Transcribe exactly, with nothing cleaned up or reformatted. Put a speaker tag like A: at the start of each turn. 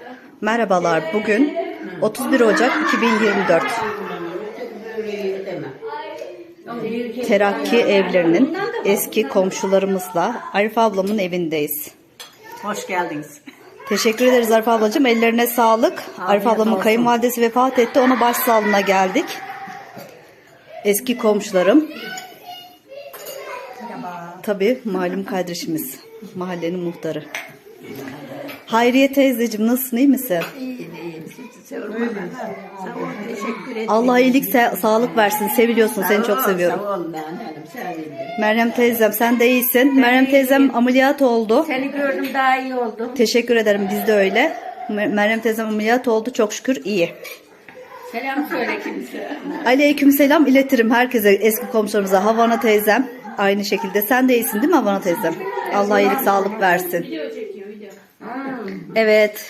A: Merhabalar, bugün otuz bir Ocak iki bin yirmi dört. Terakki evlerinin eski komşularımızla Arif ablamın evindeyiz.
B: Hoş geldiniz.
A: Teşekkür ederiz Arif ablacığım. Ellerine sağlık. Arif ablamın
B: olsun.
A: kayınvalidesi vefat etti. Ona başsağlığına geldik. Eski komşularım. Tabii malum kardeşimiz. Mahallenin muhtarı. Hayriye teyzeciğim, nasılsın, iyi misin?
B: İyiyim, iyiyim. Sizi sormadan. Sağ ol, teşekkür ederim.
A: Allah iyilik, sa- sağlık versin. Seviliyorsun. Seni çok seviyorum.
B: Sağ ol ben hanım, sevindim.
A: Meryem teyzem, sen de iyisin. Meryem teyzem ameliyat oldu.
B: Seni gördüm, daha iyi oldum.
A: Teşekkür ederim. Biz de öyle. Mer- Meryem teyzem ameliyat oldu. Çok şükür iyi.
B: Selam söyle kimse.
A: Aleykümselam iletirim herkese, eski komşularımıza. Havana teyzem aynı şekilde. Sen de iyisin değil mi Havana teyzem? Allah iyilik, sağlık versin. Evet.